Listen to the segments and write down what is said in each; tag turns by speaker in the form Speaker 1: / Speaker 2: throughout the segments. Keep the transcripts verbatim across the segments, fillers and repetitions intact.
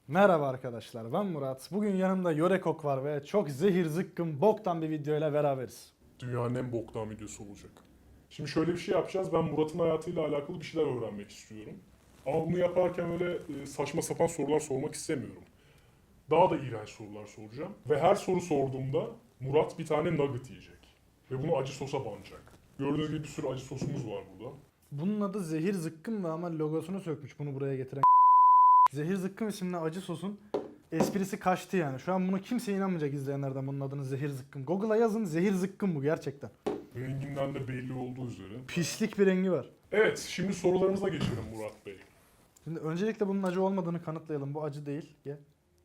Speaker 1: Merhaba arkadaşlar, ben Murat. Bugün yanımda Yorekok var ve çok zehir zıkkım boktan bir videoyla beraberiz.
Speaker 2: Dünyanın en boktan videosu olacak. Şimdi şöyle bir şey yapacağız. Ben Murat'ın hayatıyla alakalı bir şeyler öğrenmek istiyorum. Ama bunu yaparken öyle e, saçma sapan sorular sormak istemiyorum. Daha da iğrenç sorular soracağım. Ve her soru sorduğumda Murat bir tane nugget yiyecek. Ve bunu acı sosa banacak. Gördüğünüz gibi bir sürü acı sosumuz var burada.
Speaker 1: Bunun adı zehir zıkkım da ama logosunu sökmüş bunu buraya getiren. Zehir zıkkım isimli acı sosun esprisi kaçtı yani. Şu an bunu kimse inanmayacak izleyenlerden bunun adını zehir zıkkım. Google'a yazın zehir zıkkım bu gerçekten.
Speaker 2: Renginden de belli olduğu üzere.
Speaker 1: Pislik bir rengi var.
Speaker 2: Evet, şimdi sorularımıza geçelim Murat Bey.
Speaker 1: Şimdi öncelikle bunun acı olmadığını kanıtlayalım. Bu acı değil. Ye.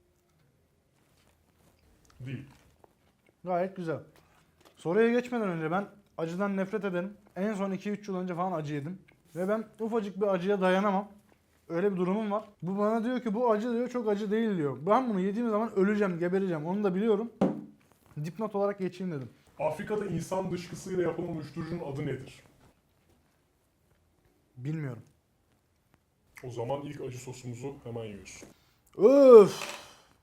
Speaker 2: Değil.
Speaker 1: Gayet güzel. Soruya geçmeden önce ben acıdan nefret ederim. En son iki üç yıl önce falan acı yedim. Ve ben ufacık bir acıya dayanamam. Öyle bir durumum var. Bu bana diyor ki bu acı diyor, çok acı değil diyor. Ben bunu yediğim zaman öleceğim, gebereceğim. Onu da biliyorum. Dipnot olarak geçeyim dedim.
Speaker 2: Afrika'da insan dışkısıyla yapılan uyuşturucunun adı nedir?
Speaker 1: Bilmiyorum.
Speaker 2: O zaman ilk acı sosumuzu hemen yiyorsun.
Speaker 1: Öf!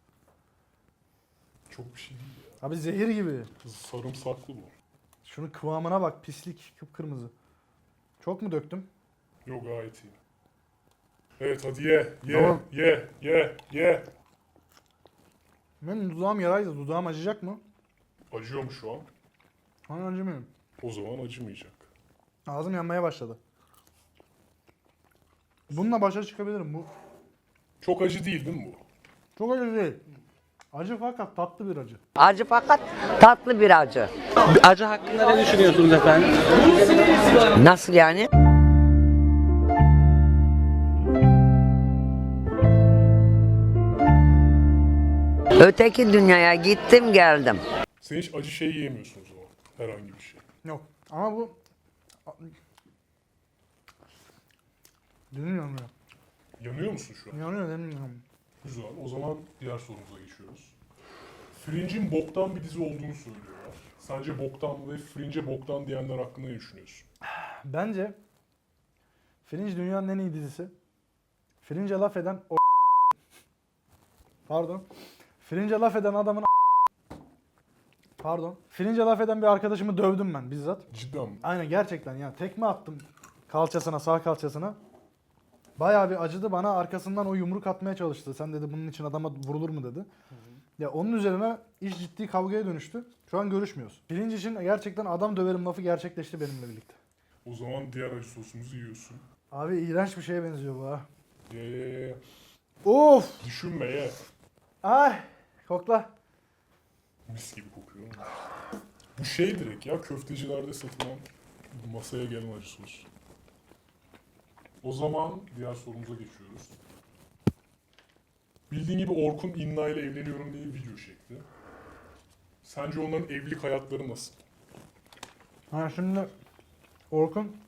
Speaker 2: Çok bir şey değil ya.
Speaker 1: Abi zehir gibi.
Speaker 2: Sarımsaklı bu.
Speaker 1: Şunun kıvamına bak, pislik, kıpkırmızı. Çok mu döktüm?
Speaker 2: Yok, gayet iyi. Evet, hadi ye, ye,
Speaker 1: Tamam.
Speaker 2: ye, ye, ye.
Speaker 1: Benim dudağım yaraydı. Dudağım acıyacak mı?
Speaker 2: Acıyor mu şu an?
Speaker 1: Hani acımıyor.
Speaker 2: O zaman acımayacak.
Speaker 1: Ağzım yanmaya başladı. Bununla başa çıkabilirim. Bu
Speaker 2: Çok acı değil değil mi bu?
Speaker 1: çok acı değil. Acı fakat tatlı bir acı.
Speaker 3: Acı fakat tatlı bir acı.
Speaker 4: Acı hakkında ne düşünüyorsunuz efendim?
Speaker 3: Nasıl yani? Öteki dünyaya gittim geldim.
Speaker 2: Sen hiç acı şey yiyemiyorsun o zaman. Herhangi bir şey.
Speaker 1: Yok. Ama bu... Dilim yanıyor.
Speaker 2: Yanıyor musun şu an?
Speaker 1: Yanıyor, dilim yanıyor.
Speaker 2: Güzel. O zaman diğer sorumuza geçiyoruz. Fringe'in boktan bir dizi olduğunu söylüyorlar. Sence boktan ve Fringe'e boktan diyenler hakkında ne düşünüyorsun?
Speaker 1: Bence Fringe dünyanın en iyi dizisi. Fringe'e laf eden o Pardon. Fringe'e laf eden adamın Pardon. Fringe'e laf eden bir arkadaşımı dövdüm ben bizzat.
Speaker 2: Cidden mi?
Speaker 1: Aynen gerçekten ya. Tekme attım kalçasına, sağ kalçasına. Bayağı bir acıdı, bana arkasından o yumruk atmaya çalıştı. Sen dedi bunun için adama vurulur mu dedi. Hı hı. Ya onun üzerine iş ciddi kavgaya dönüştü. Şu an görüşmüyoruz. Fringe için gerçekten adam döverim lafı gerçekleşti benimle birlikte.
Speaker 2: O zaman diğer acı sosumuzu yiyorsun.
Speaker 1: Abi iğrenç bir şeye benziyor bu ha.
Speaker 2: Ye, ye, ye.
Speaker 1: Of!
Speaker 2: Düşünme ye.
Speaker 1: Ay! Kokla.
Speaker 2: Mis gibi kokuyor. Bu şey direkt ya, köftecilerde satılan masaya gelen acı sos. O zaman diğer sorumuza geçiyoruz. Bildiğin gibi Orkun İnna ile evleniyorum diye bir video çekti. Sence onların evlilik hayatları nasıl?
Speaker 1: Ha şimdi Orkun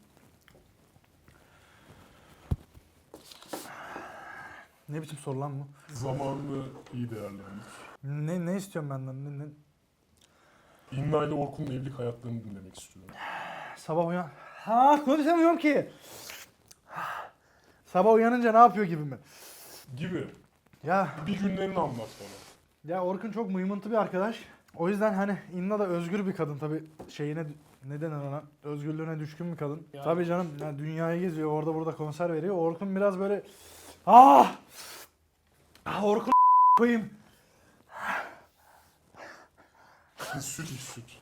Speaker 1: ne biçim soru lan bu?
Speaker 2: Zamanını iyi değerlendir.
Speaker 1: Ne ne istiyorsun benden? Ne, ne?
Speaker 2: İnna ile Orkun'un evlilik hayatlarını dinlemek istiyorum.
Speaker 1: Sabah uyan... Ha konuşamıyorum ki. Sabah uyanınca ne yapıyor gibi mi?
Speaker 2: Gibi.
Speaker 1: Ya
Speaker 2: Bir günlerini anlat bana.
Speaker 1: ya Orkun çok mıymıntı bir arkadaş. O yüzden hani İnna da özgür bir kadın tabii, şeyine ne denir ona, özgürlüğüne düşkün bir kadın.
Speaker 2: Yani.
Speaker 1: Tabii canım, yani dünyayı geziyor, orada burada konser veriyor. Orkun biraz böyle ah! Ah Orkun koyayım.
Speaker 2: Süt iç süt.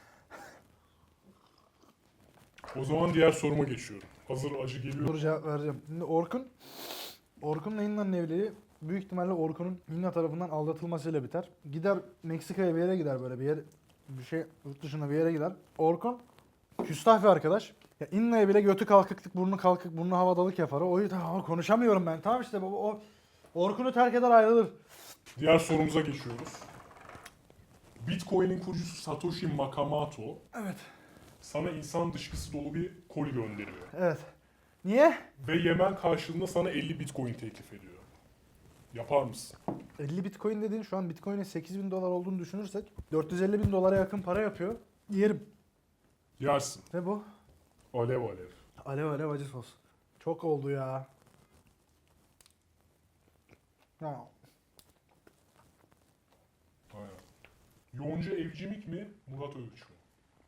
Speaker 2: O zaman diğer soruma geçiyorum. Hazır acı geliyor.
Speaker 1: Dur cevap vereceğim. Şimdi Orkun Orkun'la İnna'nın evliliği büyük ihtimalle Orkun'un İnna tarafından aldatılmasıyla biter. Gider Meksika'ya bir yere gider, böyle bir yer, bir şey yurt dışına bir yere gider. Orkun küstah bir arkadaş. Ya İnna'ya bile götü kalkıklık, burnu kalkık, burnu havadalık yapar. O yüzden konuşamıyorum ben. Tamam işte baba, o Orkun'u terk eder ayrılır.
Speaker 2: Diğer sorumuza geçiyoruz. Bitcoin'in kurucusu Satoshi Nakamoto
Speaker 1: Evet.
Speaker 2: sana insan dışkısı dolu bir koli gönderiyor.
Speaker 1: Evet. Niye?
Speaker 2: Ve Yemen karşılığında sana elli Bitcoin teklif ediyor. Yapar mısın?
Speaker 1: elli Bitcoin dediğin, şu an Bitcoin'in sekiz bin dolar olduğunu düşünürsek dört yüz elli bin dolara yakın para yapıyor. Yerim.
Speaker 2: Yersin.
Speaker 1: Ne bu?
Speaker 2: Alev alev.
Speaker 1: Alev alev acı sos. Çok oldu ya. Ya
Speaker 2: Yonca Evcimik mi, Murat Övüç mü?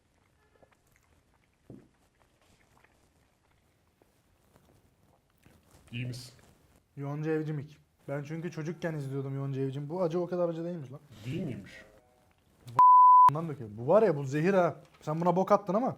Speaker 2: İyi misin?
Speaker 1: Yonca Evcimik. Ben çünkü çocukken izliyordum Yonca Evcimik. Bu acı o kadar acı değilmiş lan.
Speaker 2: Değil miymiş?
Speaker 1: Bundan döküyor. Bu var ya bu zehir ha. Sen buna bok attın ama.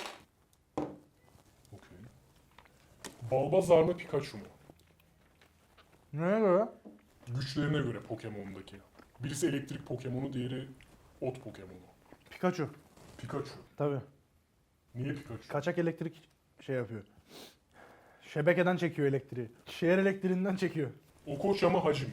Speaker 2: Okey. Balbazar mı, Pikachu mu?
Speaker 1: Neye göre?
Speaker 2: Güçlerine göre Pokemon'daki. Birisi elektrik Pokemonu, diğeri ot Pokemonu.
Speaker 1: Pikachu.
Speaker 2: Pikachu.
Speaker 1: Tabii.
Speaker 2: Niye Pikachu?
Speaker 1: Kaçak elektrik şey yapıyor. Şebekeden çekiyor elektriği. Şehir elektriğinden çekiyor.
Speaker 2: Okocha mı, Hacı mı?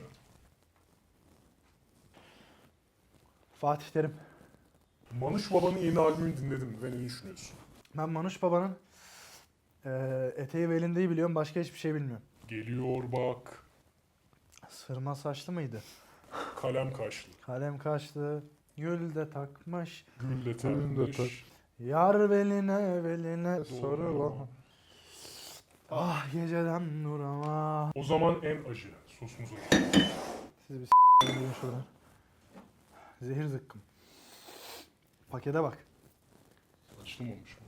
Speaker 1: Fatih Terim.
Speaker 2: Manuş Baba'nın yeni albümünü dinledin mi ve ne düşünüyorsun?
Speaker 1: Ben Manuş Baba'nın eee eteği ve elindeyi biliyorum. Başka hiçbir şey bilmiyorum.
Speaker 2: Geliyor bak,
Speaker 1: Sırma saçlı mıydı?
Speaker 2: kalem kaşlı,
Speaker 1: Kalem kaşlı. Gül de takmış.
Speaker 2: gül de
Speaker 1: Gül de
Speaker 2: takmış.
Speaker 1: Yar beline beline
Speaker 2: Doğru.
Speaker 1: sarıl. Ah geceden nur ama.
Speaker 2: O zaman en acı sosumuza.
Speaker 1: Siz bir s***in şuradan. Zehir zıkkım. Pakete bak.
Speaker 2: Açılmamış mı?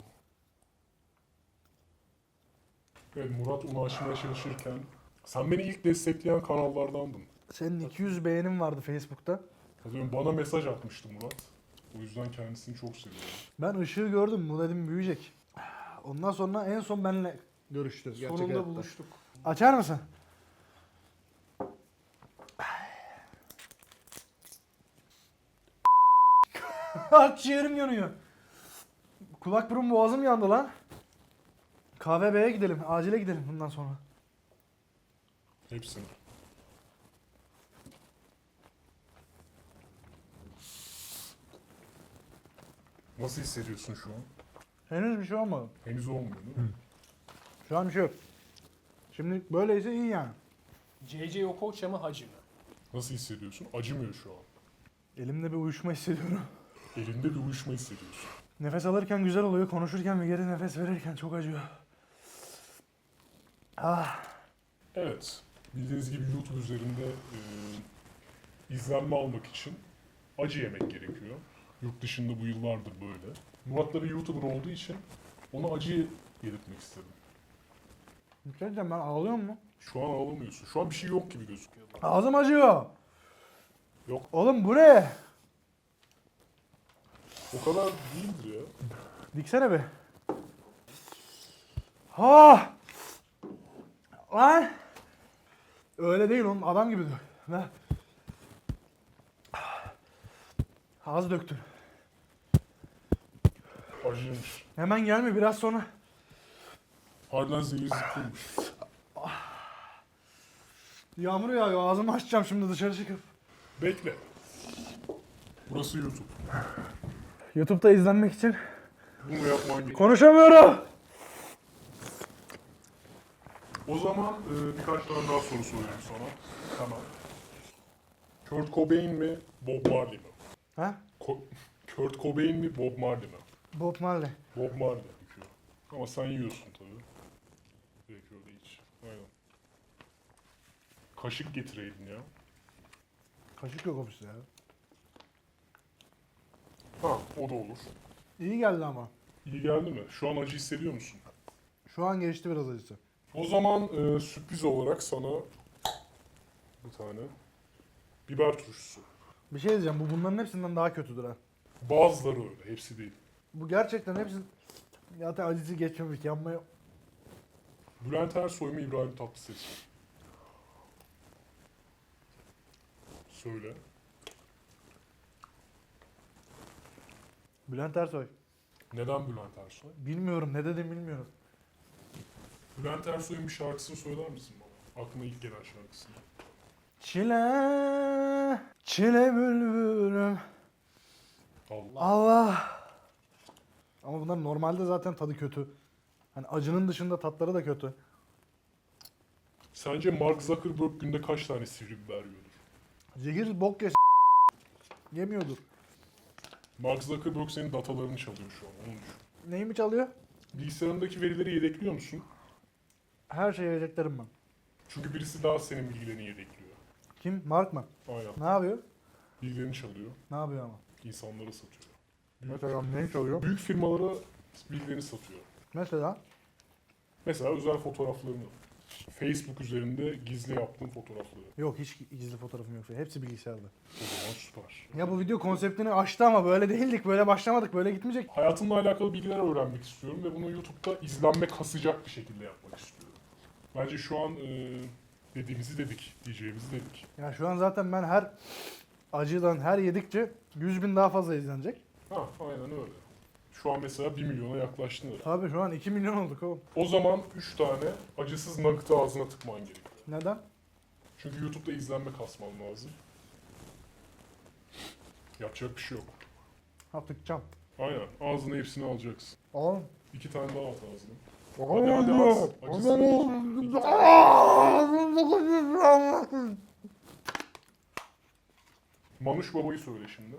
Speaker 2: Evet, Murat onu aşmaya çalışırken sen beni ilk destekleyen kanallardandın.
Speaker 1: Senin iki yüz beğenin vardı Facebook'ta.
Speaker 2: Hatırlıyorum, bana mesaj atmıştı Murat. O yüzden kendisini çok seviyorum.
Speaker 1: Ben ışığı gördüm. Bu dedim büyüyecek. Ondan sonra en son benle görüştü. gerçek
Speaker 2: Sonunda
Speaker 1: hayatta.
Speaker 2: buluştuk.
Speaker 1: Açar mısın? Akciğerim yanıyor. Kulak burun boğazım yandı lan. K V B'ye gidelim. Acile gidelim bundan sonra.
Speaker 2: Hepsini. Nasıl hissediyorsun şu an?
Speaker 1: Henüz bir şey olmadı.
Speaker 2: Henüz olmuyor değil mi?
Speaker 1: Şu an bir şey yok. Şimdi böyleyse iyi yani.
Speaker 5: C C Okocha mı Hacı mı?
Speaker 2: Nasıl hissediyorsun? Acımıyor şu an.
Speaker 1: Elimde bir uyuşma hissediyorum.
Speaker 2: Elinde bir uyuşma hissediyorsun.
Speaker 1: Nefes alırken güzel oluyor. Konuşurken ve geri nefes verirken çok acıyor. Ah.
Speaker 2: Evet. Bildiğiniz gibi YouTube üzerinde e, izlenme almak için acı yemek gerekiyor. Yurt dışında bu yıllardır böyle. Murat da bir YouTuber olduğu için ona acı yedirtmek istedim.
Speaker 1: Bir şey diyeceğim, ben ağlıyor mu?
Speaker 2: Şu an ağlamıyorsun. Şu an bir şey yok gibi gözüküyor.
Speaker 1: Ağzım acıyor.
Speaker 2: Yok.
Speaker 1: Oğlum bu ne?
Speaker 2: O kadar değildir ya.
Speaker 1: Diksene be. Ha! Lan! Öyle değil oğlum, adam gibi dök. Ver. Az döktün.
Speaker 2: Acıymış.
Speaker 1: Hemen gelme, biraz sonra.
Speaker 2: Harbiden zehir sıkılmış.
Speaker 1: Yağmur yağıyor, ağzımı açacağım şimdi dışarı çıkıp.
Speaker 2: Bekle. Burası YouTube.
Speaker 1: YouTube'da izlenmek için
Speaker 2: Bunu yapman gerekiyor.
Speaker 1: konuşamıyorum.
Speaker 2: O zaman e, birkaç tane daha soru soruyorum sana. Tamam. Kurt Cobain mi, Bob Marley mi?
Speaker 1: Ha?
Speaker 2: Ko- Kurt Cobain mi, Bob Marley mi?
Speaker 1: Bob Marley.
Speaker 2: Bob Marley diyor. Ama sen yiyorsun tabii. Direkt öyle hiç. Aynen. Kaşık getireydin ya.
Speaker 1: Kaşık yok ofiste ya.
Speaker 2: Ha, o da olur.
Speaker 1: İyi geldi ama.
Speaker 2: İyi geldi mi? Şu an acı hissediyor musun?
Speaker 1: Şu an geçti biraz acısı.
Speaker 2: O zaman e, sürpriz olarak sana bir tane biber turşusu.
Speaker 1: Bir şey diyeceğim, bu bunların hepsinden daha kötüdür ha.
Speaker 2: Bazıları öyle, hepsi değil.
Speaker 1: Bu gerçekten hepsi... Zaten acısı geçmemiş, yanmaya...
Speaker 2: Bülent Ersoy mu, İbrahim Tatlıses mi? Söyle.
Speaker 1: Bülent Ersoy.
Speaker 2: Neden Bülent Ersoy?
Speaker 1: Bilmiyorum, ne dedim bilmiyorum.
Speaker 2: Bülent Ersoy'un bir şarkısını söyler misin bana? Aklına ilk gelen şarkısını.
Speaker 1: Çile, çile bülbülüm.
Speaker 2: Allah.
Speaker 1: Allah. Ama bunlar normalde zaten tadı kötü. Hani acının dışında tatları da kötü.
Speaker 2: Sence Mark Zuckerberg günde kaç tane sivri biber yiyordur?
Speaker 1: Zehir bok yes yemiyordur.
Speaker 2: Mark Zuckerberg senin datalarını çalıyor şu an, onu düşün.
Speaker 1: Neyimi çalıyor?
Speaker 2: Bilgisayarındaki verileri yedekliyor musun?
Speaker 1: Her şeyi yiyeceklerim ben.
Speaker 2: Çünkü birisi daha senin bilgilerini yedekliyor.
Speaker 1: Kim? Mark mı?
Speaker 2: Aynen.
Speaker 1: Ne yapıyor?
Speaker 2: Bilgilerini çalıyor.
Speaker 1: Ne yapıyor ama?
Speaker 2: insanlara satıyor.
Speaker 1: Mesela ne çalıyor?
Speaker 2: Büyük firmalara bilgilerini satıyor.
Speaker 1: Mesela
Speaker 2: Mesela özel fotoğraflarını. Facebook üzerinde gizli yaptığın fotoğrafları.
Speaker 1: yok, hiç gizli fotoğrafım yok. Hepsi bilgisayarda.
Speaker 2: O zaman süper.
Speaker 1: Ya bu video konseptini açtı ama böyle değildik. Böyle başlamadık. Böyle gitmeyecek.
Speaker 2: Hayatımla alakalı bilgiler öğrenmek istiyorum ve bunu YouTube'da izlenme kasacak bir şekilde yapmak istiyorum. Bence şu an e, dediğimizi dedik, diyeceğimizi dedik.
Speaker 1: Ya şu an zaten ben her acıdan her yedikçe yüz bin daha fazla izlenecek.
Speaker 2: Ha, aynen öyle. Şu an mesela bir milyona yaklaştın.
Speaker 1: Tabii şu an iki milyon olduk oğlum.
Speaker 2: O zaman üç tane acısız nugget'ı ağzına tıkman gerekiyor.
Speaker 1: Neden?
Speaker 2: Çünkü YouTube'da izlenme kasman lazım. Yapacak bir şey yok.
Speaker 1: Ha tıkacağım.
Speaker 2: Aynen. Ağzına hepsini alacaksın.
Speaker 1: Oğlum.
Speaker 2: İki tane daha at ağzına. Hadi hadi at. Acısız. Manuş Baba'yı söyle şimdi.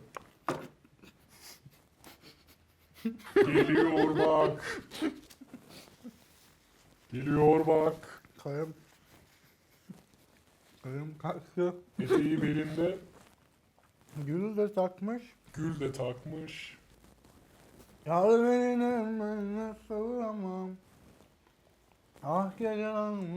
Speaker 2: Geliyor bak. Geliyor bak.
Speaker 1: Kayım. Kayım kalktı.
Speaker 2: Eteği belinde.
Speaker 1: Gül de takmış.
Speaker 2: Gül de takmış.
Speaker 1: Yar beni nasıl amam. Ah gece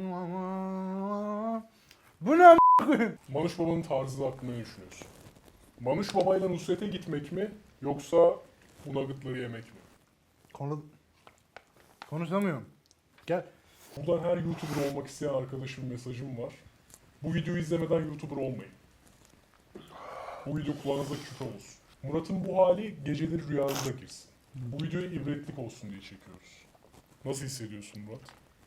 Speaker 1: amam. Bu ne a**?
Speaker 2: Manuş Baba'nın tarzı hakkında ne düşünüyorsun? Manuş Baba'yla Nusret'e gitmek mi yoksa bu nuggetları yemek mi?
Speaker 1: Konu... Konuşamıyorum. Gel.
Speaker 2: Buradan her YouTuber olmak isteyen arkadaşım mesajım var. Bu videoyu izlemeden YouTuber olmayın. Bu video kulağınıza küpe olsun. Murat'ın bu hali geceleri rüyanıza girsin. Bu videoya ibretlik olsun diye çekiyoruz. Nasıl hissediyorsun Murat?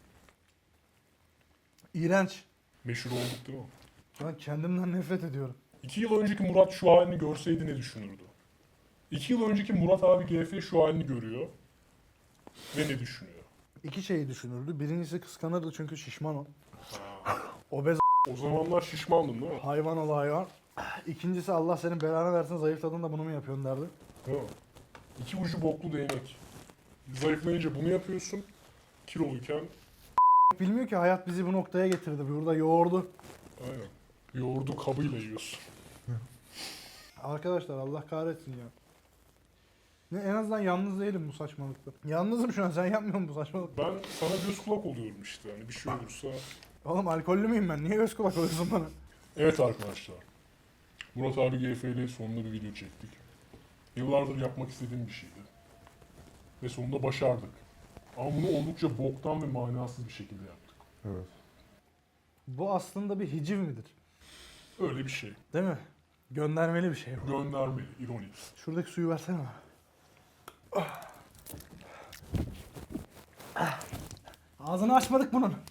Speaker 1: İğrenç.
Speaker 2: Meşhur olduk değil mi?
Speaker 1: Ben kendimden nefret ediyorum.
Speaker 2: İki yıl önceki Murat şu halini görseydi ne düşünürdü? İki yıl önceki Murat abi G F şu halini görüyor ve ne düşünüyor?
Speaker 1: İki şeyi düşünürdü. Birincisi kıskanırdı çünkü şişman o.
Speaker 2: Ha.
Speaker 1: Obez
Speaker 2: O zamanlar şişmandın değil mi?
Speaker 1: hayvan ol hayvan. İkincisi Allah senin belanı versin, zayıfladın da bunu mu yapıyorsun derdi.
Speaker 2: Değil mi? İki ucu boklu değnek. Zayıflayınca bunu yapıyorsun. Kiloluyken
Speaker 1: Bilmiyor ki hayat bizi bu noktaya getirdi. Burada yoğurdu.
Speaker 2: aynen. Yoğurdu kabıyla yiyorsun.
Speaker 1: Arkadaşlar Allah kahretsin ya. Ne, en azından yalnız değilim bu saçmalıkta. Yalnızım şu an, sen yapmıyor musun bu saçmalık?
Speaker 2: Ben sana göz kulak oluyorum işte. Yani bir şey olursa.
Speaker 1: Oğlum alkollü müyüm ben? Niye göz kulak oluyorsun bana?
Speaker 2: Evet arkadaşlar. Murat abi G F ile sonunda bir video çektik. Yıllardır yapmak istediğim bir şeydi. Ve sonunda başardık. Ama bunu oldukça boktan ve manasız bir şekilde yaptık.
Speaker 1: Evet. Bu aslında bir hiciv midir?
Speaker 2: Öyle bir şey.
Speaker 1: Değil mi? Göndermeli bir şey bu.
Speaker 2: Göndermeli, ironik.
Speaker 1: Şuradaki suyu versene bana. Ah. Ah. Ağzını açmadık bunun.